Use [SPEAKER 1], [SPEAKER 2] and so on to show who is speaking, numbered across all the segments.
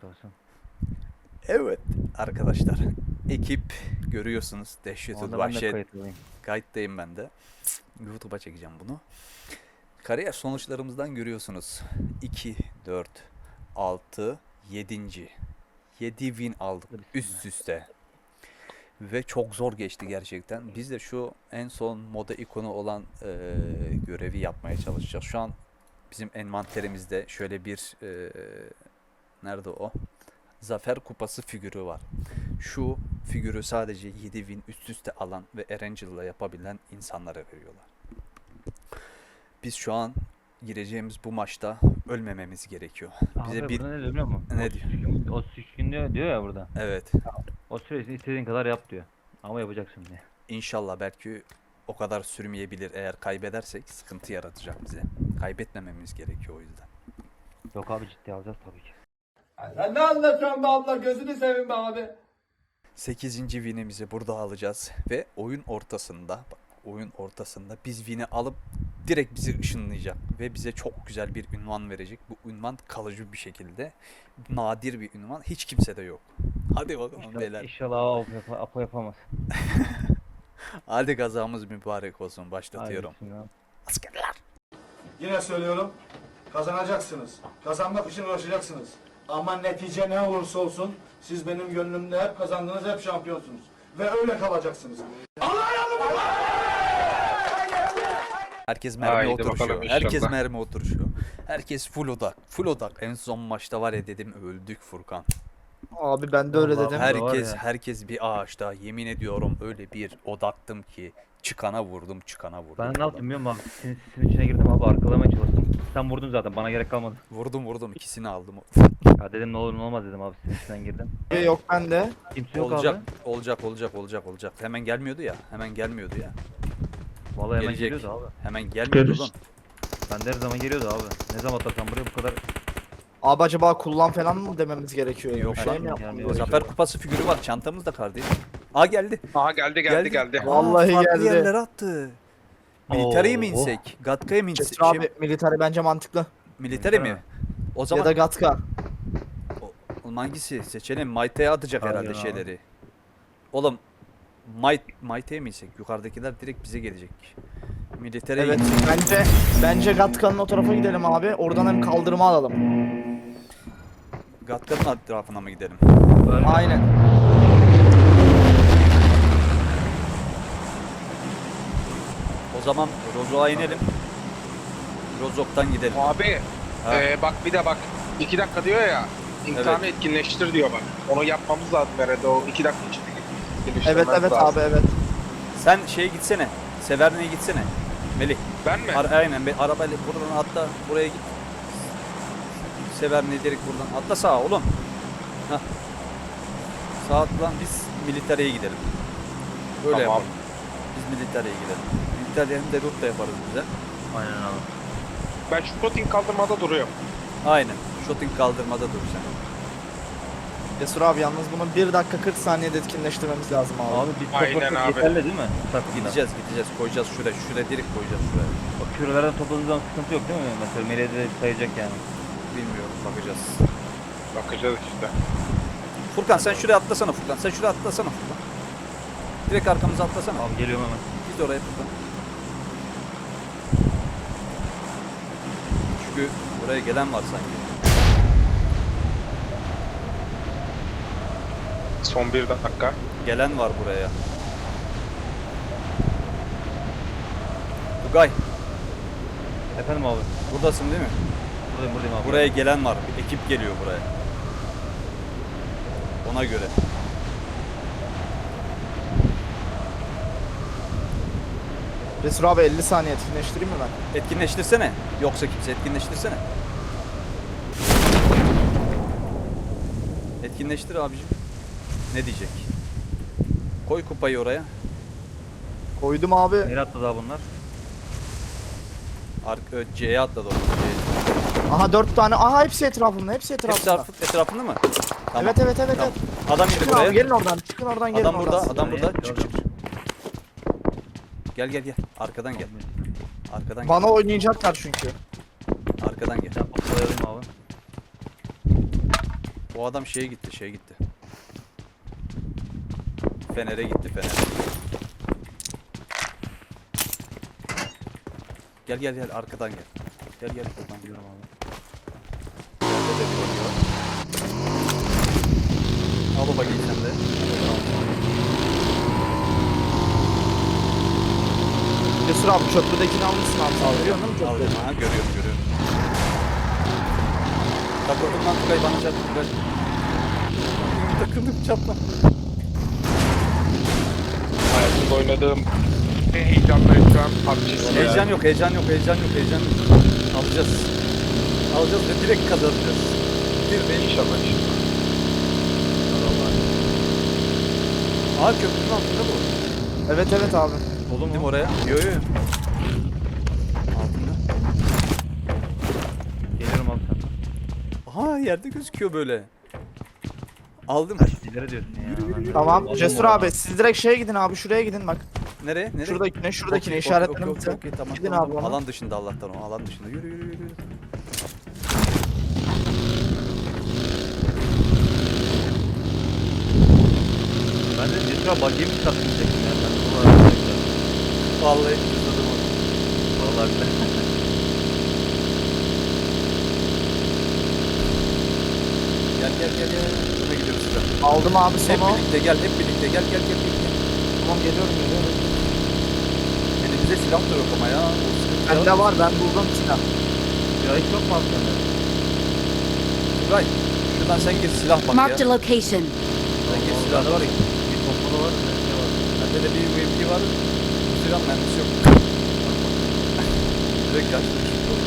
[SPEAKER 1] Afiyet olsun.
[SPEAKER 2] Evet arkadaşlar. Ekip görüyorsunuz. Dehşetül
[SPEAKER 1] Onda ben de
[SPEAKER 2] Vahşet.
[SPEAKER 1] kayıtlıyım.
[SPEAKER 2] Kayıttayım ben de. YouTube'a çekeceğim bunu. Kariyer sonuçlarımızdan görüyorsunuz. 2, 4, 6, 7. 7 win aldık üst üste. Ve çok zor geçti gerçekten. Biz de şu en son moda ikonu olan görevi yapmaya çalışacağız. Şu an bizim envanterimizde şöyle bir nerede o? Zafer Kupası figürü var. Şu figürü sadece 7 win üst üste alan ve Erangel'la yapabilen insanlara veriyorlar. Biz şu an gireceğimiz bu maçta ölmememiz gerekiyor. Bize
[SPEAKER 1] Abi
[SPEAKER 2] bir
[SPEAKER 1] burada ne diyor biliyor musun?
[SPEAKER 2] ne diyor?
[SPEAKER 1] 33 gün diyor ya burada.
[SPEAKER 2] Evet.
[SPEAKER 1] O süresini istediğin kadar yap diyor. Ama yapacaksın diye.
[SPEAKER 2] İnşallah belki o kadar sürmeyebilir. Eğer kaybedersek sıkıntı yaratacak bize. Kaybetmememiz gerekiyor o yüzden.
[SPEAKER 1] Yok abi ciddi alacağız tabii ki.
[SPEAKER 3] Sen ne anlatıyorsun be abla? Gözünü seveyim be abi.
[SPEAKER 2] 8. winimizi burada alacağız ve oyun ortasında biz win'i alıp direkt bizi ışınlayacak ve bize çok güzel bir ünvan verecek. Bu ünvan kalıcı bir şekilde nadir bir ünvan. Hiç kimsede yok. Hadi bakalım beyler.
[SPEAKER 1] İnşallah Apo yapamaz.
[SPEAKER 2] Hadi kazamız mübarek olsun.
[SPEAKER 1] Hadi
[SPEAKER 2] Başlatıyorum.
[SPEAKER 1] bismillah.
[SPEAKER 2] Askerler.
[SPEAKER 4] Yine söylüyorum, kazanacaksınız. Kazanmak için uğraşacaksınız. Ama netice ne olursa olsun siz benim gönlümde hep kazandınız, hep şampiyonsunuz. Ve öyle kalacaksınız.
[SPEAKER 2] Herkes mermi
[SPEAKER 5] Haydi
[SPEAKER 2] oturuşuyor.
[SPEAKER 5] bakalım
[SPEAKER 2] Herkes
[SPEAKER 5] inşallah.
[SPEAKER 2] mermi oturuşuyor. Herkes full odak. Full odak. En son maçta var ya dedim öldük Furkan.
[SPEAKER 6] Abi ben de öyle
[SPEAKER 1] Vallahi
[SPEAKER 6] dedim.
[SPEAKER 1] her- var
[SPEAKER 2] Herkes
[SPEAKER 1] ya.
[SPEAKER 2] herkes bir ağaçta. Yemin ediyorum öyle bir odaktım ki çıkana vurdum.
[SPEAKER 1] Ben ne yaptım biliyor musun abi? Sizin içine girdim abi arkalamaya çalıştım. Sen vurdun zaten bana gerek kalmadı.
[SPEAKER 2] Vurdum ikisini aldım.
[SPEAKER 1] Ya dedim ne olur ne olmaz dedim abi sizin içinden girdim.
[SPEAKER 6] Yok ben de.
[SPEAKER 1] Kimse yok
[SPEAKER 2] olacak,
[SPEAKER 1] abi.
[SPEAKER 2] olacak. Hemen gelmiyordu ya.
[SPEAKER 1] Vallahi hemen
[SPEAKER 2] Gelecek.
[SPEAKER 1] geliyordu abi.
[SPEAKER 2] Hemen gelmiyordu oğlum.
[SPEAKER 1] Ben de her zaman geliyordu abi. Ne zaman atarsam buraya bu kadar.
[SPEAKER 6] Abi acaba kullan falan mı dememiz gerekiyor?
[SPEAKER 2] Yok
[SPEAKER 6] Şey
[SPEAKER 2] lan,
[SPEAKER 6] mi yapmamız
[SPEAKER 1] yani
[SPEAKER 6] gerekiyor?
[SPEAKER 2] Zafer Kupası figürü var çantamızda kardeşim. Aa geldi.
[SPEAKER 5] Aha geldi.
[SPEAKER 2] Aa,
[SPEAKER 6] Vallahi
[SPEAKER 2] farklı
[SPEAKER 6] geldi.
[SPEAKER 2] yerlere attı. Militariye mi
[SPEAKER 1] Oo.
[SPEAKER 2] insek? Gatka'ya mı insek?
[SPEAKER 6] Çetin abi militari bence mantıklı.
[SPEAKER 2] Militari mi? O
[SPEAKER 6] Ya
[SPEAKER 2] zaman
[SPEAKER 6] da Gatka.
[SPEAKER 2] oğlum hangisi seçelim? Mayte'ye atacak
[SPEAKER 1] Aynen
[SPEAKER 2] herhalde
[SPEAKER 1] abi.
[SPEAKER 2] şeyleri. Oğlum Mayte'ye mi insek? Yukarıdakiler direkt bize gelecek. Militariye
[SPEAKER 6] Evet
[SPEAKER 2] insek.
[SPEAKER 6] bence Gatka'nın o tarafa gidelim abi. Oradan hem kaldırma alalım.
[SPEAKER 2] Gatka'nın etrafına mı gidelim?
[SPEAKER 6] Aynen.
[SPEAKER 2] O zaman Rozok'a inelim. Rozok'tan gidelim.
[SPEAKER 5] Abi
[SPEAKER 2] Ha.
[SPEAKER 5] bak bir de bak 2 dakika diyor ya imtihanı etkinleştir diyor bak. Onu yapmamız lazım herhalde o 2 dakika içinde
[SPEAKER 6] Evet
[SPEAKER 5] etkinleştirmemiz lazım.
[SPEAKER 6] abi evet.
[SPEAKER 2] Sen şeye gitsene. Severne'ye gitsene. Melih.
[SPEAKER 5] Ben mi?
[SPEAKER 2] Aynen arabayla buradan atla buraya git. Severne'ye direkt buradan atla sağa oğlum. Hah. Sağ atlan biz militariye gidelim. Öyle
[SPEAKER 5] Tamam.
[SPEAKER 2] yapalım. Biz militariye gidelim. Militariye hem de root da yaparız bize.
[SPEAKER 1] Aynen abi.
[SPEAKER 5] Ben şu protein kaldırmada duruyorum.
[SPEAKER 2] Aynen. Shooting kaldırmada dur sen.
[SPEAKER 6] Cesur abi yalnız bunu 1 dakika 40 saniyede etkinleştirmemiz lazım abi.
[SPEAKER 1] Abi biz
[SPEAKER 5] Aynen
[SPEAKER 1] toplasak
[SPEAKER 5] abi.
[SPEAKER 1] yeterli değil mi? Takımda.
[SPEAKER 2] Gideceğiz koyacağız şuraya. Şuraya direkt koyacağız şuraya.
[SPEAKER 1] O kürelerden topladığınız zaman sıkıntı yok değil mi? Mesela Melih'e de sayacak yani.
[SPEAKER 2] Bilmiyorum bakacağız.
[SPEAKER 5] Bakacağız işte.
[SPEAKER 2] Furkan sen şuraya atlasana Furkan. Sen şuraya atlasana Furkan. Direkt arkamıza atlasana.
[SPEAKER 1] Abi geliyorum hemen.
[SPEAKER 2] Git oraya Furkan. Çünkü buraya gelen var sanki.
[SPEAKER 5] Son 1 dakika.
[SPEAKER 2] Gelen var buraya. Tugay
[SPEAKER 1] Efendim abi.
[SPEAKER 2] buradasın değil mi?
[SPEAKER 1] Buradayım abi.
[SPEAKER 2] Buraya gelen var. Bir ekip geliyor buraya. Ona göre.
[SPEAKER 6] Cesur abi 50 saniye etkinleştireyim mi ben?
[SPEAKER 2] Etkinleştirsene. Yoksa kimse etkinleştirsene. Etkinleştir abicim. Ne diyecek? Koy kupayı oraya.
[SPEAKER 6] Koydum abi.
[SPEAKER 1] Nereye attı daha bunlar?
[SPEAKER 2] C'ye atladı orada. C'ye.
[SPEAKER 6] Aha 4 tane. Aha hepsi etrafında. Hepsi etrafında.
[SPEAKER 2] Etrafında mı? Tamam.
[SPEAKER 6] Evet.
[SPEAKER 2] Tamam. Adam indi
[SPEAKER 6] Çıkın
[SPEAKER 2] buraya.
[SPEAKER 6] abi gelin oradan. Çıkın oradan gelin
[SPEAKER 2] Adam burada,
[SPEAKER 6] oradan.
[SPEAKER 2] adam burada.
[SPEAKER 1] Gördüm.
[SPEAKER 2] Çık. Gel. Arkadan gel. Arkadan
[SPEAKER 6] Bana
[SPEAKER 2] gel.
[SPEAKER 6] oynayacaklar çünkü.
[SPEAKER 2] Arkadan gel.
[SPEAKER 1] Ben patlayalım abi.
[SPEAKER 2] O adam şeye gitti, şeye gitti. Fener'e gitti, Fener'e. Gel gel gel, arkadan gel. Gel gel, buradan gidiyorum abi. Yerde de bir var. Al o bakayım sen de.
[SPEAKER 6] Cesur abi köprüdekini almışsın abi. Sen görüyor musun
[SPEAKER 2] Al,
[SPEAKER 6] köprüyü?
[SPEAKER 2] ha, görüyorum görüyorum. Takıldım lan Tugay, bana çarptı Tugay. Takıldım, çarpma.
[SPEAKER 5] Hayatımda oynadığım en heyecanlı ekran PUBG'si
[SPEAKER 2] Heyecan
[SPEAKER 5] ya.
[SPEAKER 2] yok, heyecan yok, heyecan yok, heyecan yok. Alacağız. Alacağız ve direkt kazanacağız. Bir ve
[SPEAKER 5] İnşallah inşallah.
[SPEAKER 2] Aa, köprünün altında bu.
[SPEAKER 6] Evet evet abi.
[SPEAKER 2] Oğlum değil mi oraya? Yo yo. Altında.
[SPEAKER 1] Geliyorum abi sen.
[SPEAKER 2] Aha, yerde gözüküyor böyle. Aldım.
[SPEAKER 1] İleri diyorsun ya.
[SPEAKER 6] Tamam.
[SPEAKER 1] Aldım
[SPEAKER 6] Cesur
[SPEAKER 1] onu.
[SPEAKER 6] abi siz direkt şeye gidin abi. Şuraya gidin bak.
[SPEAKER 2] Nereye? Nereye?
[SPEAKER 6] Şuradakine şuradakine
[SPEAKER 2] Okey,
[SPEAKER 6] işaretledim
[SPEAKER 2] okey,
[SPEAKER 6] size.
[SPEAKER 2] okey, tamam,
[SPEAKER 6] Gidin
[SPEAKER 2] tamam.
[SPEAKER 6] abi ona.
[SPEAKER 2] Alan dışında Allah'tan o. Alan dışında. Yürü yürü yürü.
[SPEAKER 1] Ben de Cesur abi buggy'yi mi sattım diyecektim ya. Ben de bu arada.
[SPEAKER 2] Vallahi cüzdanım o.
[SPEAKER 1] Vallahi güzel.
[SPEAKER 2] Gel gel gel gel. Buna gidiyoruz sıra.
[SPEAKER 6] Aldım abi
[SPEAKER 2] Hep
[SPEAKER 6] sonu.
[SPEAKER 2] birlikte gel, hep birlikte gel gel gel. gel.
[SPEAKER 6] Tamam geliyorum geliyorum.
[SPEAKER 2] Elimizde silah da yok ama ya. O sıkıntı ya.
[SPEAKER 6] Bende var ben buldum silah.
[SPEAKER 1] Ya hiç yok mu aslında?
[SPEAKER 2] Tugay, şuradan sen gir, silah bak
[SPEAKER 7] Marked a
[SPEAKER 2] ya.
[SPEAKER 7] location.
[SPEAKER 2] Sen gir, silah var ya.
[SPEAKER 1] Bir pompalı var, bir şey var.
[SPEAKER 2] Bende de bir UMP var. Bu silah mermisi yok. Direkt yaşlı çıktı orada.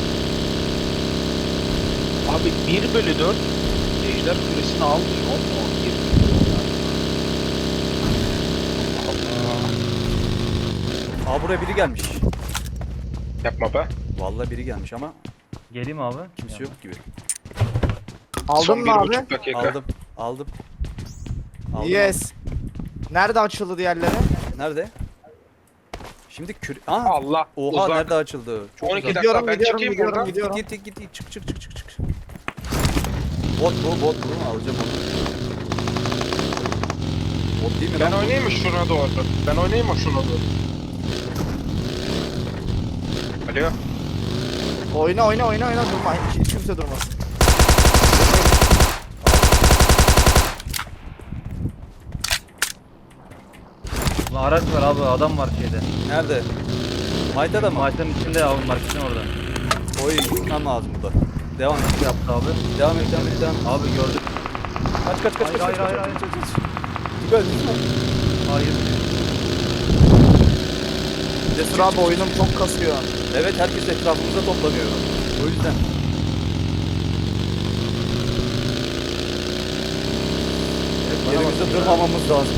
[SPEAKER 5] Abi 1/4 Ejder Kulesi'ni almıyor mu?
[SPEAKER 2] Aa, buraya biri gelmiş.
[SPEAKER 5] Yapma be.
[SPEAKER 2] Vallahi biri gelmiş ama
[SPEAKER 1] Geleyim abi.
[SPEAKER 2] kimse yok gibi.
[SPEAKER 6] Aldın
[SPEAKER 5] Son
[SPEAKER 6] mı abi?
[SPEAKER 5] 1,5 dakika.
[SPEAKER 2] Aldım. Aldım. Aldım.
[SPEAKER 6] Yes. Nerede açıldı diğerleri?
[SPEAKER 2] Nerede? Şimdi Aa,
[SPEAKER 5] Allah.
[SPEAKER 2] oha,
[SPEAKER 5] uzak.
[SPEAKER 2] nerede açıldı? Çok
[SPEAKER 5] 12
[SPEAKER 2] uzak.
[SPEAKER 5] dakika
[SPEAKER 6] Gidiyorum,
[SPEAKER 5] ben
[SPEAKER 6] gidiyorum,
[SPEAKER 5] çıkayım
[SPEAKER 6] gidiyorum,
[SPEAKER 5] buradan.
[SPEAKER 6] gidiyorum.
[SPEAKER 2] Git çık çık çık çık çık. Bot bu alacağım onu. Bot değil mi
[SPEAKER 5] Ben
[SPEAKER 2] lan?
[SPEAKER 5] oynayayım mı şuna doğru? Ben oynayayım mı şuna doğru? Alo.
[SPEAKER 6] Oyna durma. Hiç kimse durmasın.
[SPEAKER 1] Ulan araç var abi, adam var şeyde.
[SPEAKER 2] Nerede? Mayda da mı?
[SPEAKER 1] Maaşların içinde abi, marketin orada.
[SPEAKER 2] Oy, gitmem lazım burada. Devam et.
[SPEAKER 1] Ne yaptı abi?
[SPEAKER 2] Devam et.
[SPEAKER 1] Abi gördük.
[SPEAKER 2] Kaç.
[SPEAKER 1] Hayır, hayır.
[SPEAKER 2] Tugay, lütfen.
[SPEAKER 1] Hayır.
[SPEAKER 6] Cesur abi oyunum çok kasıyor.
[SPEAKER 2] Evet, herkes etrafımıza toplanıyor. O yüzden. Yerimizde durmamamız lazım.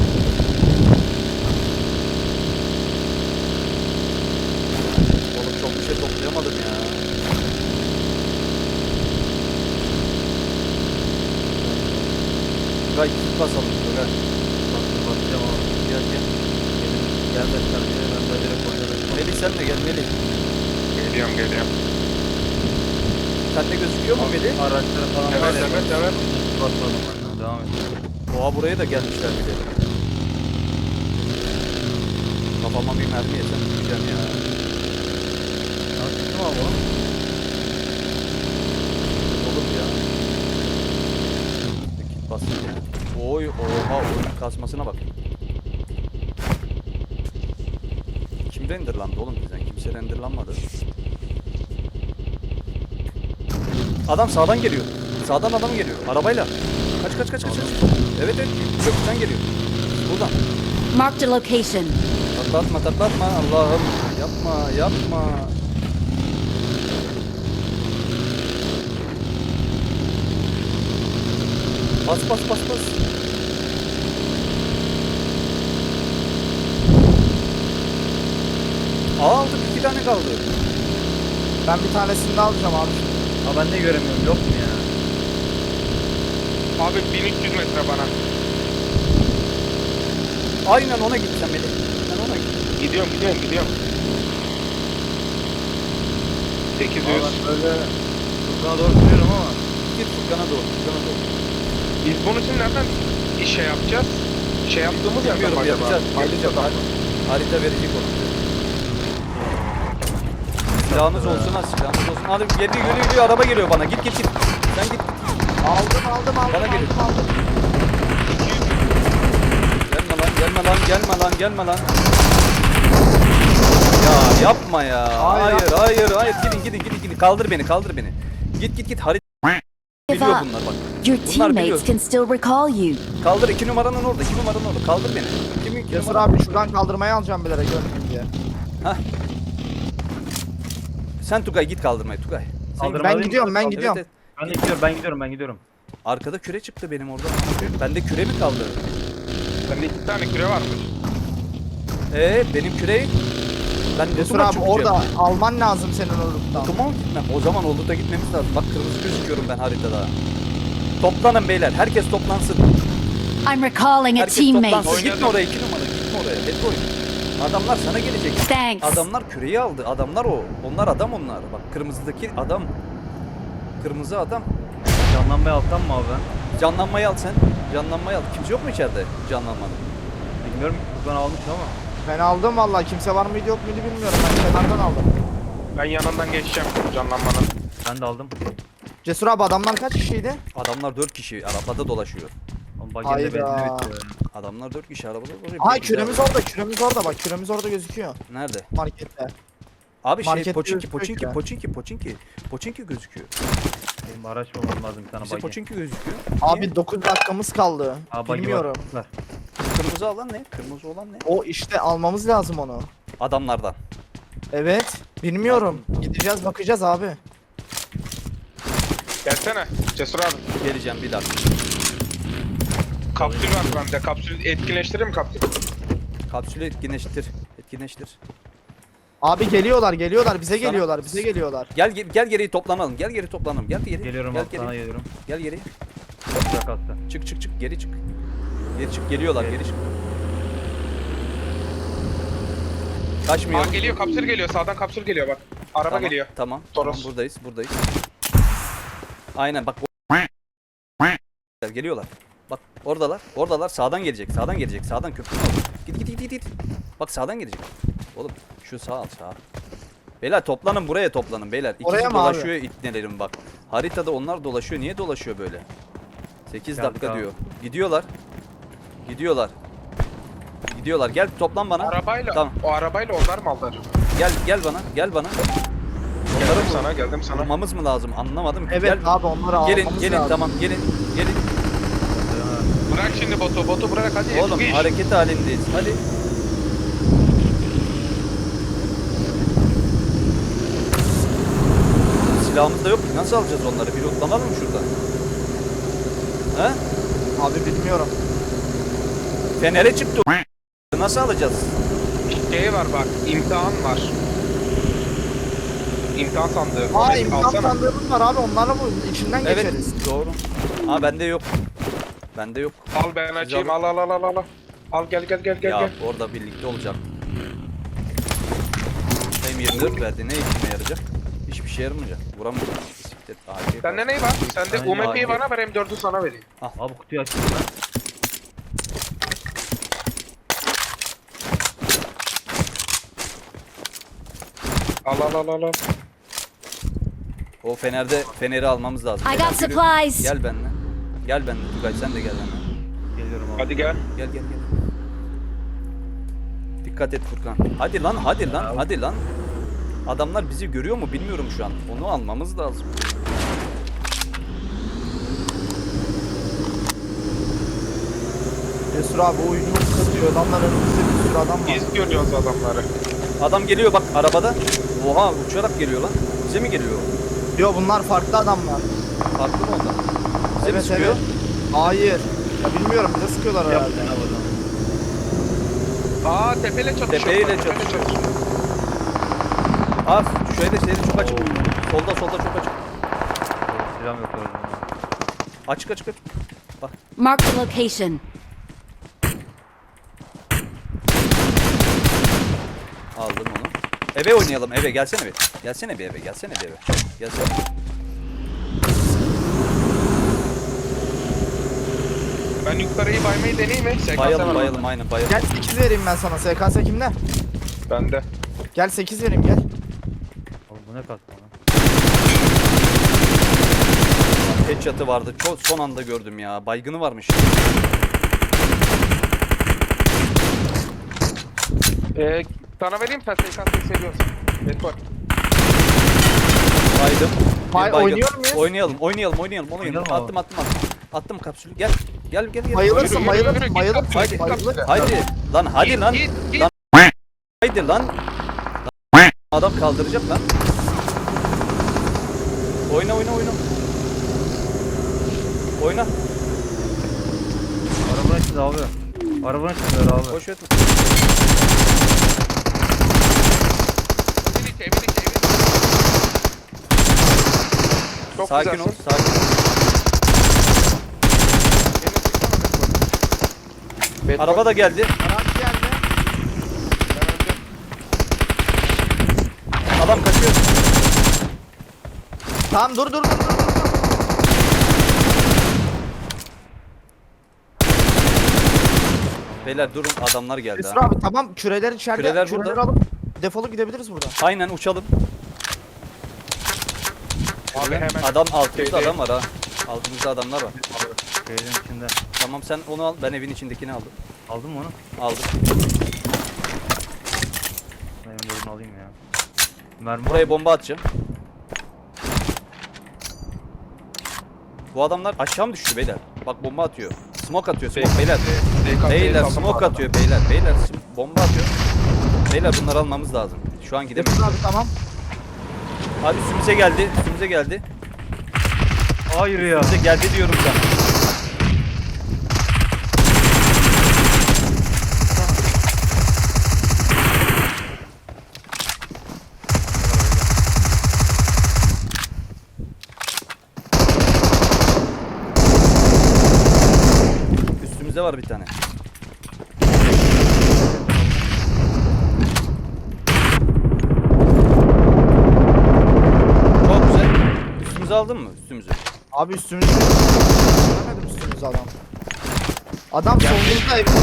[SPEAKER 2] Oğlum çok bir şey toplayamadım ya. Tugay, kit basalım Tugay.
[SPEAKER 1] Bakacağım abi.
[SPEAKER 2] Gel.
[SPEAKER 1] Gelmezler diye ben de direkt oynadım.
[SPEAKER 2] Melih sen de gel Melih.
[SPEAKER 5] Geliyorum.
[SPEAKER 2] Sende gözüküyor mu Melih?
[SPEAKER 1] Araçları falan
[SPEAKER 5] Evet,
[SPEAKER 1] var ya.
[SPEAKER 5] evet.
[SPEAKER 1] Basmadım ben. Devam et.
[SPEAKER 2] Oha, buraya da gelmişler bir de. Kafama bir mermi yesem gideceğim ya.
[SPEAKER 1] Çıktım abi oğlum.
[SPEAKER 2] Oğlum ya. Kit basın ya. Oy, oha, oyunun kasmasına bak. Kim renderlandı oğlum bizden? Kimse renderlanmadı. Adam sağdan geliyor. Sağdan adam geliyor. Arabayla. Kaç. Evet, köprüden geliyor. Buradan.
[SPEAKER 7] Marked a location.
[SPEAKER 2] Tatlatma. Allah'ım. Yapma. Bas. Aldık, 2 tane kaldı.
[SPEAKER 6] Ben bir tanesini de alacağım abi.
[SPEAKER 1] Abi ben de göremiyorum. Yok mu ya?
[SPEAKER 5] Abi 1300 metre bana.
[SPEAKER 2] Aynen ona gideceğim Melih. Ben ona gideceğim.
[SPEAKER 5] Gidiyorum. 800.
[SPEAKER 1] Abi ben böyle Furkan'a doğru sürüyorum ama.
[SPEAKER 2] git Furkan'a doğru. Furkan'a doğru.
[SPEAKER 5] Biz bunun için nereden şey yapacağız? Şey yaptığımız yerden mi
[SPEAKER 2] Bilmiyorum,
[SPEAKER 5] acaba?
[SPEAKER 2] yapacağız.
[SPEAKER 5] Harita da.
[SPEAKER 2] Harita verecek onu. Silahınız olsun ha, silahınız olsun. Hadi geliyor, araba geliyor bana. Git. Sen git.
[SPEAKER 6] Aldım.
[SPEAKER 2] Bana geliyor.
[SPEAKER 6] aldım.
[SPEAKER 2] Gelme lan. Ya yapma ya. Hayır. Gidin. Kaldır beni. Git. Harita
[SPEAKER 7] Give
[SPEAKER 2] biliyor
[SPEAKER 7] up.
[SPEAKER 2] bunlar bak.
[SPEAKER 7] Your
[SPEAKER 2] Bunlar biliyor.
[SPEAKER 7] teammates can still recall you.
[SPEAKER 2] Kaldır 2 numaranın orada. Kaldır beni. Kimin
[SPEAKER 6] Cesur
[SPEAKER 2] numara?
[SPEAKER 6] abi şuradan kaldırmaya alacağım bilerek görmeyeyim diye.
[SPEAKER 2] Sen Tugay git kaldırmaya Tugay.
[SPEAKER 1] Kaldırma
[SPEAKER 6] Ben
[SPEAKER 1] değil mi?
[SPEAKER 6] gidiyorum.
[SPEAKER 2] Evet.
[SPEAKER 1] Ben gidiyorum.
[SPEAKER 2] Arkada küre çıktı benim orada. Bende küre mi kaldı?
[SPEAKER 5] Sende 2 tane küre varmış.
[SPEAKER 2] Benim küreyi ben
[SPEAKER 6] Cesur
[SPEAKER 2] Lutuma
[SPEAKER 6] abi
[SPEAKER 2] çıkacağım.
[SPEAKER 6] orada alman lazım senin oruktan.
[SPEAKER 2] Lutuma mı gitmem? O zaman Olut'a gitmemiz lazım. Bak kırmızı gözüküyorum ben haritada. Toplanın beyler. Herkes toplansın.
[SPEAKER 7] I'm recalling a
[SPEAKER 2] Herkes
[SPEAKER 7] teammate.
[SPEAKER 2] toplansın. Gitme oraya 2 numara. Gitme oraya. Hep oyun. Adamlar sana gelecek.
[SPEAKER 7] Thanks.
[SPEAKER 2] Adamlar küreyi aldı. Adamlar o. Onlar adam onlar. Bak kırmızıdaki adam. Kırmızı adam.
[SPEAKER 1] Canlanmaya alsam mı abi ben?
[SPEAKER 2] Canlanmayı al sen. Canlanmayı al. Kimse yok mu içeride canlanmanın?
[SPEAKER 1] Bilmiyorum ki Furkan almış ama.
[SPEAKER 6] Ben aldım vallahi. Kimse var mıydı yok muydu bilmiyorum. Ben kenardan aldım.
[SPEAKER 5] Ben yanından geçeceğim canlanmanın.
[SPEAKER 1] Ben de aldım.
[SPEAKER 6] Cesur abi adamlar kaç kişiydi?
[SPEAKER 2] Adamlar 4 kişi arabada dolaşıyor.
[SPEAKER 1] Oğlum bagajda benzin
[SPEAKER 6] Hayda.
[SPEAKER 1] bitiyor.
[SPEAKER 2] Adamlar 4 kişi arabada dolaşıyor.
[SPEAKER 6] Ay
[SPEAKER 2] Bir kişi
[SPEAKER 6] küremiz orada. Küremiz orada bak. Küremiz orada gözüküyor.
[SPEAKER 2] Nerede?
[SPEAKER 6] Markette.
[SPEAKER 2] Abi şey
[SPEAKER 6] Markette
[SPEAKER 2] Poçinki
[SPEAKER 6] gözüküyor
[SPEAKER 2] Poçinki gözüküyor.
[SPEAKER 1] Benim araç bulmam lazım bir tane
[SPEAKER 2] Bize
[SPEAKER 1] bagi.
[SPEAKER 2] Poçinki gözüküyor.
[SPEAKER 6] Abi
[SPEAKER 2] Niye?
[SPEAKER 6] 9 dakikamız kaldı.
[SPEAKER 1] Aa, bagi
[SPEAKER 6] Bilmiyorum.
[SPEAKER 1] var.
[SPEAKER 2] Kırmızı alan ne? Kırmızı olan ne?
[SPEAKER 6] O işte almamız lazım onu.
[SPEAKER 2] Adamlardan.
[SPEAKER 6] Evet. Bilmiyorum. Gideceğiz bakacağız abi.
[SPEAKER 5] Gelsene Cesur abi.
[SPEAKER 2] Geleceğim bir dakika.
[SPEAKER 5] Kapsül var bende. Kapsül etkinleştirir mi kapsül?
[SPEAKER 2] Kapsülü etkinleştir.
[SPEAKER 6] Abi geliyorlar bize
[SPEAKER 2] Sana-
[SPEAKER 6] geliyorlar.
[SPEAKER 2] Gel geriye toplanalım. Gel geri.
[SPEAKER 1] Geliyorum
[SPEAKER 2] Gel
[SPEAKER 1] abi sana
[SPEAKER 2] geri.
[SPEAKER 1] geliyorum.
[SPEAKER 2] Gel geri.
[SPEAKER 1] Sıcak hasta.
[SPEAKER 2] Çık geri çık. Geri çık geliyorlar
[SPEAKER 1] Evet.
[SPEAKER 2] geri çık. Kaçmıyor.
[SPEAKER 5] Aa geliyor kapsül geliyor. Sağdan kapsül geliyor bak. Araba
[SPEAKER 2] Tamam,
[SPEAKER 5] geliyor.
[SPEAKER 2] Tamam
[SPEAKER 5] Toros.
[SPEAKER 2] buradayız. Aynen bak. Geliyorlar. Bak oradalar. Sağdan gelecek. Sağdan köprünün orada. Git. Bak sağdan gelecek. Oğlum şu sağ. Beyler toplanın buraya toplanın beyler.
[SPEAKER 6] Oraya
[SPEAKER 2] İkisi
[SPEAKER 6] mı abi?
[SPEAKER 2] dolaşıyor itnelerim bak. Haritada onlar dolaşıyor. Niye dolaşıyor böyle? 8
[SPEAKER 1] Geldik
[SPEAKER 2] dakika
[SPEAKER 1] abi.
[SPEAKER 2] diyor. Gidiyorlar. Gel toplan bana.
[SPEAKER 5] Arabayla.
[SPEAKER 2] Tamam.
[SPEAKER 5] O arabayla onlar mı aldı acaba?
[SPEAKER 2] Gel bana.
[SPEAKER 5] Geldim sana.
[SPEAKER 2] Vurmamız mı lazım? Anlamadım. ki.
[SPEAKER 6] Evet
[SPEAKER 2] Gel.
[SPEAKER 6] abi onları almamız
[SPEAKER 2] Gelin
[SPEAKER 6] lazım.
[SPEAKER 2] tamam gelin.
[SPEAKER 5] Bırak şimdi botu bırak hadi.
[SPEAKER 2] Oğlum
[SPEAKER 5] Eski iş.
[SPEAKER 2] hareket halindeyiz. Hadi. Silahımız da yok ki. Nasıl alacağız onları? Bir lootlanalım mı şuradan? He?
[SPEAKER 6] Abi bilmiyorum.
[SPEAKER 2] Fener'e çıktı. Nasıl alacağız?
[SPEAKER 5] Şey var bak. İmtihan var. İmtihan sandığı.
[SPEAKER 6] Aa
[SPEAKER 5] Onu
[SPEAKER 6] imkan
[SPEAKER 5] alsana.
[SPEAKER 6] sandığımız var abi onlarla bu içinden
[SPEAKER 2] Evet.
[SPEAKER 6] geçeriz.
[SPEAKER 2] Doğru. Bende yok.
[SPEAKER 5] Al ben açayım. Al. Al gel.
[SPEAKER 2] Ya orada birlikte olacak. M24 verdi. Ne işime yarayacak? Hiçbir şey yaramayacak. Vuramayacak. Bisiklet, AK.
[SPEAKER 5] Sende ne var? Sende
[SPEAKER 1] Aynen,
[SPEAKER 5] UMP'yi
[SPEAKER 2] AK.
[SPEAKER 5] bana ver M4'ü sana vereyim.
[SPEAKER 1] Abi kutuyu açayım ben.
[SPEAKER 5] Al.
[SPEAKER 2] O Fener'i almamız lazım.
[SPEAKER 7] I
[SPEAKER 2] Beyler,
[SPEAKER 7] got
[SPEAKER 2] yürü.
[SPEAKER 7] supplies.
[SPEAKER 2] Gel benimle. Tugay sen de gel benimle.
[SPEAKER 1] Geliyorum abi.
[SPEAKER 5] Hadi gel.
[SPEAKER 2] Gel. Dikkat et Furkan. Hadi lan. Adamlar bizi görüyor mu bilmiyorum şu an. Onu almamız lazım.
[SPEAKER 6] Cesur abi oyunu kazıyor. Adamlar önümüzde bir sürü adam var.
[SPEAKER 5] Biz görüyoruz adamları.
[SPEAKER 2] Adam geliyor bak arabada. Oha uçarak geliyor lan. Bize mi geliyor?
[SPEAKER 6] Diyor bunlar farklı adamlar.
[SPEAKER 2] Farklı mı ondan? Bize mi
[SPEAKER 6] Evet
[SPEAKER 2] sıkıyor?
[SPEAKER 6] evet. Hayır. Ya bilmiyorum bize sıkıyorlar herhalde.
[SPEAKER 1] Yaptın abi o zaman.
[SPEAKER 5] Aa tepeyle çatışıyor.
[SPEAKER 2] Tepeyle
[SPEAKER 5] Tepeyle
[SPEAKER 2] çatışıyor. Şeyde çok açık. Solda çok açık.
[SPEAKER 1] Silahım yok orada.
[SPEAKER 2] Açık.
[SPEAKER 7] Marked a location.
[SPEAKER 2] Aldım onu. Eve oynayalım. Eve gelsene bir. Gelsene bir eve. Gelsene.
[SPEAKER 5] Ben yukarıyı baymayı deneyeyim mi? SKS
[SPEAKER 2] Bayalım
[SPEAKER 5] var
[SPEAKER 2] bayalım aynen bayalım.
[SPEAKER 6] Gel 8 vereyim ben sana. SKS kimde?
[SPEAKER 5] bende.
[SPEAKER 6] Gel 8 vereyim gel.
[SPEAKER 1] Oğlum bu ne kastı lan?
[SPEAKER 2] Headshot'ı vardı. Çok son anda gördüm ya. Baygını varmış.
[SPEAKER 5] Sana vereyim mi? SKS'yi seviyorsun. Bekor.
[SPEAKER 2] Baydım. Bir
[SPEAKER 6] Bay-
[SPEAKER 2] baygın.
[SPEAKER 6] oynuyor muyuz?
[SPEAKER 2] Oynayalım.
[SPEAKER 1] Oynayalım
[SPEAKER 2] Attım.
[SPEAKER 1] abi.
[SPEAKER 2] Attım kapsülü. Gel. Gel.
[SPEAKER 6] Bayılırsın
[SPEAKER 5] yürü,
[SPEAKER 6] bayılırsın
[SPEAKER 5] yürü,
[SPEAKER 6] bayılırsın.
[SPEAKER 5] git,
[SPEAKER 2] Haydi.
[SPEAKER 6] bayılırsın.
[SPEAKER 2] Haydi. Lan hadi
[SPEAKER 5] Git,
[SPEAKER 2] lan.
[SPEAKER 5] git, git.
[SPEAKER 2] Lan. Haydi lan. Adam kaldıracak lan. Oyna. Oyna.
[SPEAKER 1] Arabanın içinde abi. Arabanın içinde abi.
[SPEAKER 2] Boş ver.
[SPEAKER 5] Evin içi. Çok
[SPEAKER 2] Sakin ol.
[SPEAKER 5] güzelsin.
[SPEAKER 2] Sakin ol.
[SPEAKER 5] Bekor.
[SPEAKER 2] Araba da geldi.
[SPEAKER 6] Araç geldi.
[SPEAKER 2] Adam kaçıyor.
[SPEAKER 6] Tamam dur.
[SPEAKER 2] Beyler durun adamlar geldi
[SPEAKER 6] Cesur
[SPEAKER 2] ha.
[SPEAKER 6] abi tamam küreler içeride.
[SPEAKER 2] Küreler
[SPEAKER 6] Küreleri
[SPEAKER 2] burada.
[SPEAKER 6] alıp defolup gidebiliriz buradan.
[SPEAKER 2] Aynen uçalım.
[SPEAKER 5] Abi hemen.
[SPEAKER 2] Adam altımızda
[SPEAKER 5] Şeyde-
[SPEAKER 2] adam var ha. Altımızda adamlar var.
[SPEAKER 1] Şeyin içinde.
[SPEAKER 2] Tamam sen onu al. Ben evin içindekini aldım.
[SPEAKER 1] Aldın mı onu?
[SPEAKER 2] Aldım.
[SPEAKER 1] Ben M4'ünü alayım ya. Mermi var
[SPEAKER 2] Buraya
[SPEAKER 1] mı?
[SPEAKER 2] bomba atacağım. Bu adamlar aşağı mı düştü beyler? Bak bomba atıyor. Smoke atıyor. Smoke beyler. Beyler smoke atıyor beyler. Beyler bomba atıyor. Beyler bunları almamız lazım. Şu an gidemeyiz.
[SPEAKER 6] Cesur abi tamam.
[SPEAKER 2] Abi üstümüze geldi. Üstümüze geldi.
[SPEAKER 1] Hayır ya.
[SPEAKER 2] Üstümüze geldi diyorum sana. Üstümüzde var bir tane. Çok güzel. Üstümüzü aldın mı? Üstümüzü.
[SPEAKER 6] Abi üstümüzde. Göremedim üstümüzde adam. Adam solumuzda ev.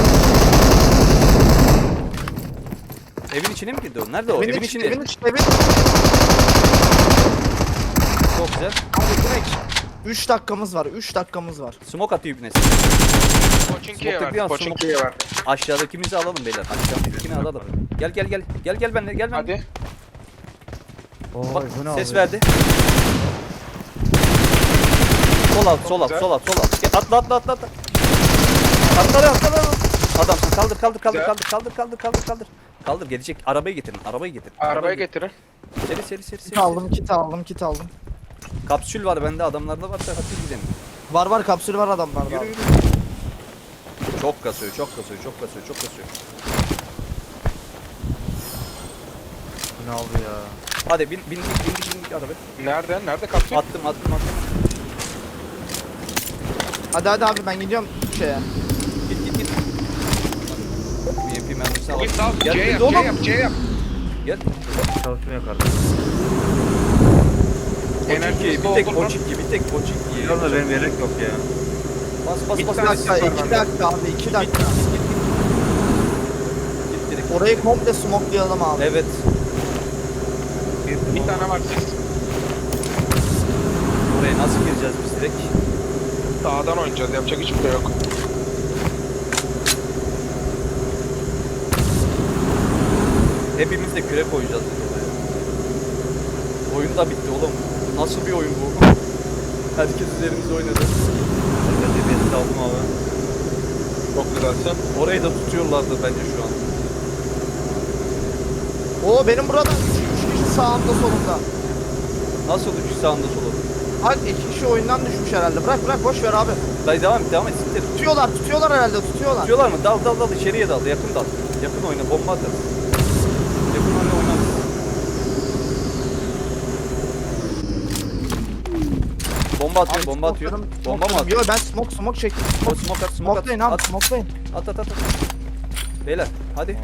[SPEAKER 2] Evin içine mi girdi o? Nerede o? Evin içinde.
[SPEAKER 6] Evin içinde.
[SPEAKER 2] Çok güzel.
[SPEAKER 6] Abi direkt 3 dakikamız var. 3 dakikamız var.
[SPEAKER 2] Smoke atıyor ibnesi.
[SPEAKER 5] Koçinki'ye
[SPEAKER 2] Smoke'ta bir an
[SPEAKER 5] verdi. Koçinki'ye verdi.
[SPEAKER 2] Aşağıdakimizi alalım beyler. Aşağıdakini alalım. Gel benimle. Gel benimle.
[SPEAKER 5] Hadi.
[SPEAKER 1] Oy,
[SPEAKER 2] Bak
[SPEAKER 1] bu ne
[SPEAKER 2] ses
[SPEAKER 1] abi?
[SPEAKER 2] verdi. Sol alt. Gel, atla. Atla. Adamsın. Kaldır. Kaldır gelecek. Arabayı getirin.
[SPEAKER 5] Arabaya getirin.
[SPEAKER 2] Seri.
[SPEAKER 6] Kit aldım.
[SPEAKER 2] Kapsül var bende. Adamlarda varsa hadi gidelim.
[SPEAKER 6] Var kapsül var adamlarda.
[SPEAKER 2] Yürü. Çok kasıyor.
[SPEAKER 1] Bu ne abi ya?
[SPEAKER 2] Hadi bindik arabaya.
[SPEAKER 5] Nerede kapsül?
[SPEAKER 2] Attım.
[SPEAKER 6] Hadi abi ben gidiyorum şeye.
[SPEAKER 2] Git. BMP mermisi al.
[SPEAKER 5] Git sağ.
[SPEAKER 2] Gel,
[SPEAKER 5] C
[SPEAKER 2] biz oğlum.
[SPEAKER 5] yap.
[SPEAKER 2] Gel.
[SPEAKER 1] Çalışmıyor kardeşim.
[SPEAKER 5] Enerjimiz
[SPEAKER 2] Bir tek
[SPEAKER 5] doldurma.
[SPEAKER 2] Koçinki.
[SPEAKER 1] Biliyorum da benim yelek yok ya.
[SPEAKER 2] Bas.
[SPEAKER 5] Bir
[SPEAKER 6] Bir
[SPEAKER 5] tane
[SPEAKER 6] dakika,
[SPEAKER 5] sis var
[SPEAKER 6] 2
[SPEAKER 5] bende.
[SPEAKER 6] dakika abi 2 dakika.
[SPEAKER 2] Git direkt.
[SPEAKER 6] Orayı komple smokelayalım abi.
[SPEAKER 2] Evet.
[SPEAKER 5] Bir tane var sis.
[SPEAKER 2] Buraya nasıl gireceğiz biz direkt?
[SPEAKER 5] Sağdan oynayacağız. Yapacak hiçbir şey yok.
[SPEAKER 2] Hepimiz de küre koyacağız. Oyun da bitti oğlum. Nasıl bir oyun bu? Herkes üzerimizde oynadı.
[SPEAKER 1] Ben de bir aldım abi.
[SPEAKER 5] Çok güzelsin.
[SPEAKER 2] Orayı da tutuyorlardı bence şu an.
[SPEAKER 6] Oo benim burada 3 kişi sağımda solumda.
[SPEAKER 2] Nasıl düşüş sağında solu?
[SPEAKER 6] Hadi 2 kişi oyundan düşmüş herhalde. Bırak boş ver abi.
[SPEAKER 2] Dayı devam et. Siktir.
[SPEAKER 6] Tutuyorlar herhalde tutuyorlar.
[SPEAKER 2] Tutuyorlar mı? Dal içeriye dal. Yakın dal. Yakın oyna. Bomba atar. Yakın oynarız. Bomba atıyor.
[SPEAKER 6] Abi,
[SPEAKER 2] Bomba atıyor.
[SPEAKER 6] smoke'larım-
[SPEAKER 2] Bomba mı
[SPEAKER 6] smoke'larım-
[SPEAKER 2] atıyor?
[SPEAKER 6] Yo ben smoke çektim.
[SPEAKER 2] Smoke at.
[SPEAKER 6] Smokelayın abi
[SPEAKER 2] At.
[SPEAKER 6] smokelayın.
[SPEAKER 2] At. Beyler hadi.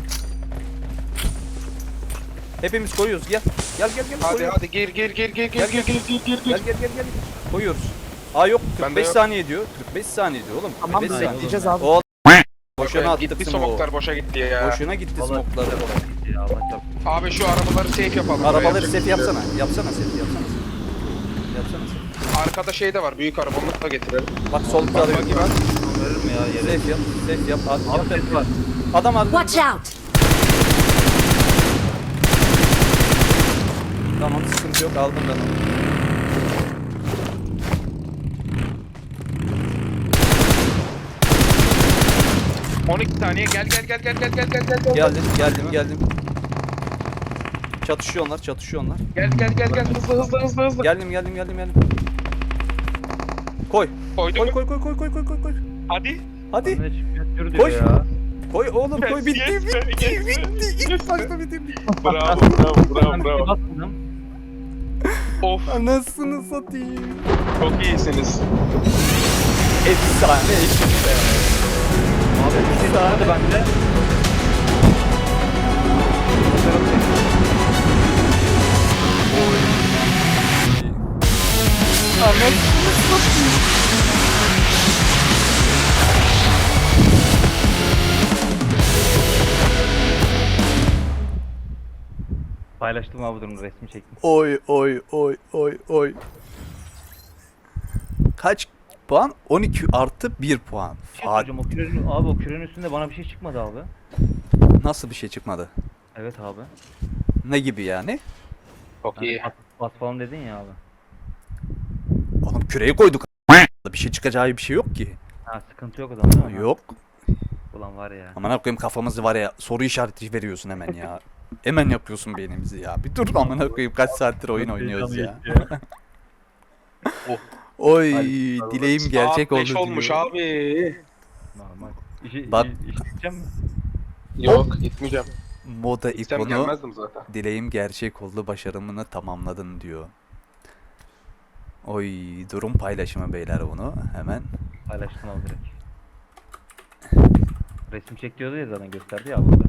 [SPEAKER 2] Hepimiz koyuyoruz. Gel.
[SPEAKER 5] Hadi
[SPEAKER 2] koyuyoruz.
[SPEAKER 5] hadi gir.
[SPEAKER 2] Gel. Koyuyoruz. Aa yok
[SPEAKER 5] Bende
[SPEAKER 2] 45
[SPEAKER 5] yok.
[SPEAKER 2] saniye diyor. 45 saniye diyor oğlum.
[SPEAKER 6] Tamam
[SPEAKER 2] 45 saniye.
[SPEAKER 6] bekleyeceğiz abi.
[SPEAKER 2] O boşuna attık
[SPEAKER 5] Gitti
[SPEAKER 2] smoke'u.
[SPEAKER 5] smoklar boşa gitti ya.
[SPEAKER 2] Boşuna gitti
[SPEAKER 1] Vallahi
[SPEAKER 2] smoke'ları.
[SPEAKER 1] gitti ya, Allah çarpsın.
[SPEAKER 5] Abi şu arabaları safe yapalım.
[SPEAKER 2] Arabaları
[SPEAKER 5] Yapacak
[SPEAKER 2] set
[SPEAKER 5] bir şey yok.
[SPEAKER 2] yapsana. Yapsana set yapsana. Yapsana set.
[SPEAKER 5] Arkada şey de var. Büyük araba onu da getirelim.
[SPEAKER 2] Bak sol
[SPEAKER 5] Bak
[SPEAKER 2] tarafı.
[SPEAKER 5] bagi var.
[SPEAKER 1] Verir mi ya yere?
[SPEAKER 2] Safe yap. Safe yap. At,
[SPEAKER 1] Abi
[SPEAKER 2] yap.
[SPEAKER 1] ses var.
[SPEAKER 2] Adam aldı.
[SPEAKER 7] Watch out!
[SPEAKER 2] Tamam sıkıntı yok aldım ben onu.
[SPEAKER 5] Hı. 12 saniye gel.
[SPEAKER 2] Geldim. Çatışıyorlar.
[SPEAKER 5] Gel. Hızlı.
[SPEAKER 2] Geldim. Koy.
[SPEAKER 5] Koydum.
[SPEAKER 2] Koy.
[SPEAKER 5] Hadi.
[SPEAKER 2] Hadi.
[SPEAKER 1] Ne çıkıyor
[SPEAKER 2] Koş.
[SPEAKER 1] diyor ya.
[SPEAKER 2] Koy oğlum koy bitti.
[SPEAKER 5] Yes be, yes be.
[SPEAKER 2] İlk başta bitti.
[SPEAKER 5] Bravo.
[SPEAKER 1] Ben bir şey basmadım.
[SPEAKER 5] Of,
[SPEAKER 2] Anasını satayım.
[SPEAKER 5] çok iyisiniz.
[SPEAKER 2] Efsane ekip be.
[SPEAKER 1] Abi bir şey daha bende. Paylaştım abi durumu, resmi çektim.
[SPEAKER 2] Oy. Kaç puan? 12 artı 1 puan.
[SPEAKER 1] Bir şey soracağım, o kürenin, abi o kürenin üstünde bana bir şey çıkmadı abi.
[SPEAKER 2] Nasıl bir şey çıkmadı?
[SPEAKER 1] Evet abi.
[SPEAKER 2] Ne gibi yani?
[SPEAKER 5] Çok
[SPEAKER 1] Hani
[SPEAKER 5] iyi.
[SPEAKER 1] bas falan dedin ya abi.
[SPEAKER 2] Oğlum küreği koyduk. Bir şey çıkacağı bir şey yok ki.
[SPEAKER 1] Ha sıkıntı yok o zaman değil mi?
[SPEAKER 2] Yok.
[SPEAKER 1] Ulan var ya.
[SPEAKER 2] Aman koyayım kafamızı var ya soru işareti veriyorsun hemen ya. Hemen yapıyorsun beynimizi ya. Bir dur amına koyayım kaç saattir oyun oynuyoruz ya. Oy
[SPEAKER 1] Hadi,
[SPEAKER 2] dileğim gerçek
[SPEAKER 5] Saat 5
[SPEAKER 2] oldu
[SPEAKER 5] olmuş
[SPEAKER 2] diyor.
[SPEAKER 5] abi.
[SPEAKER 1] Normal.
[SPEAKER 2] Bak-
[SPEAKER 1] İşi gideceğim mi?
[SPEAKER 5] Yok gitmeyeceğim.
[SPEAKER 2] Moda
[SPEAKER 5] İstem
[SPEAKER 2] ikonu
[SPEAKER 5] gelmezdim zaten.
[SPEAKER 2] dileğim gerçek oldu başarımını tamamladın diyor. Oy durum paylaşımı beyler bunu hemen.
[SPEAKER 1] Paylaştım abi direkt. Resim çek diyordu ya zaten, gösterdi ya burada.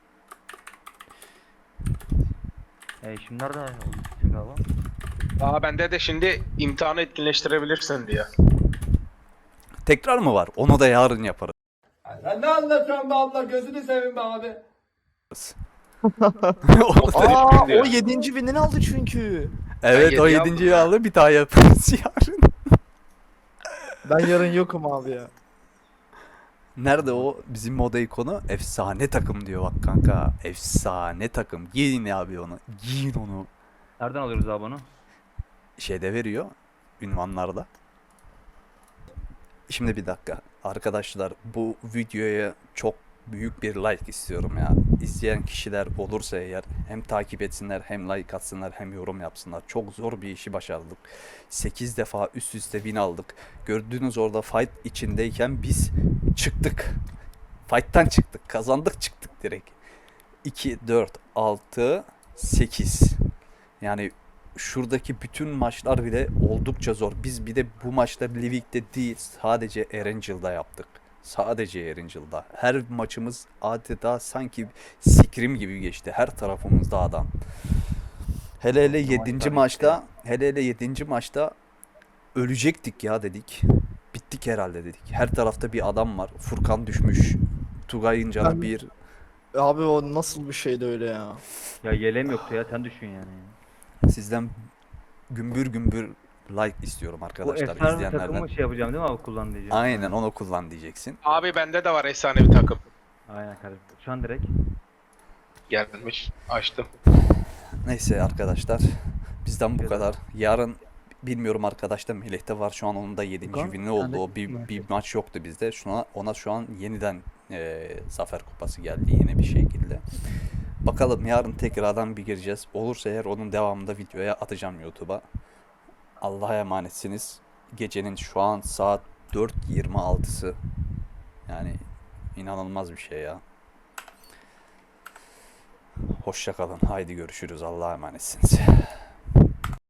[SPEAKER 1] Şimdi nerede oldu bizim galiba?
[SPEAKER 5] Aa bende de şimdi imtihanı etkinleştirebilirsin diye.
[SPEAKER 2] Tekrar mı var? Onu da yarın yaparız.
[SPEAKER 3] Sen ne anlatıyorsun be abla gözünü seveyim be abi.
[SPEAKER 6] Aa
[SPEAKER 5] diyor.
[SPEAKER 6] o 7. winini aldı çünkü.
[SPEAKER 2] Evet
[SPEAKER 5] Ben
[SPEAKER 2] o
[SPEAKER 5] yedi
[SPEAKER 2] 7.'yi aldı bir daha yaparız yarın.
[SPEAKER 6] Ben yarın yokum abi ya.
[SPEAKER 2] Nerede o bizim moda ikonu? Efsane takım diyor bak kanka. Efsane takım. Giyin abi onu. Giyin onu.
[SPEAKER 1] Nereden alıyoruz abi onu?
[SPEAKER 2] Şeyde veriyor. Ünvanlarda. Şimdi bir dakika. Arkadaşlar bu videoya çok büyük bir like istiyorum ya. İzleyen kişiler olursa eğer hem takip etsinler hem like atsınlar hem yorum yapsınlar. Çok zor bir işi başardık. 8 defa üst üste win aldık. Gördüğünüz orada fight içindeyken biz çıktık. Fight'tan çıktık. Kazandık çıktık direkt. 2, 4, 6, 8. Yani şuradaki bütün maçlar bile oldukça zor. Biz bir de bu maçları Livik'te değil sadece Erangel'da yaptık. Sadece Erangel'da. Her maçımız adeta sanki Scrim gibi geçti. Her tarafımızda adam. Hele 7. maçta, hele 7. maçta ölecektik ya dedik. Bittik herhalde dedik. Her tarafta bir adam var. Furkan düşmüş. Tugay'ın canı
[SPEAKER 6] Ben-
[SPEAKER 2] bir.
[SPEAKER 6] Abi o nasıl bir şeydi öyle ya.
[SPEAKER 1] Ya yeleğim yoktu ya, sen düşün yani.
[SPEAKER 2] Sizden gümbür gümbür like istiyorum
[SPEAKER 1] Bu
[SPEAKER 2] arkadaşlar
[SPEAKER 1] efsane
[SPEAKER 2] izleyenlerden.
[SPEAKER 1] takımı şey yapacağım değil mi abi, kullan diyeceğim.
[SPEAKER 2] Aynen onu kullan diyeceksin.
[SPEAKER 5] Abi bende de var efsane bir takım.
[SPEAKER 1] Aynen kardeşim. Şu an direkt.
[SPEAKER 5] Gelmiş. Açtım.
[SPEAKER 2] Neyse arkadaşlar bizden bu kadar. Yarın bilmiyorum arkadaşlar Melih'te var şu an onun da 7.
[SPEAKER 1] Furkan,
[SPEAKER 2] günü oldu.
[SPEAKER 1] sen de
[SPEAKER 2] O bir maç yoktu bizde. Ona şu an yeniden Zafer Kupası geldi yine bir şekilde. Bakalım yarın tekrardan bir gireceğiz. Olursa eğer onun devamında videoya atacağım YouTube'a. Allah'a emanetsiniz. Gecenin şu an saat 4.26'sı. Yani inanılmaz bir şey ya. Hoşça kalın. Haydi görüşürüz. Allah'a emanetsiniz.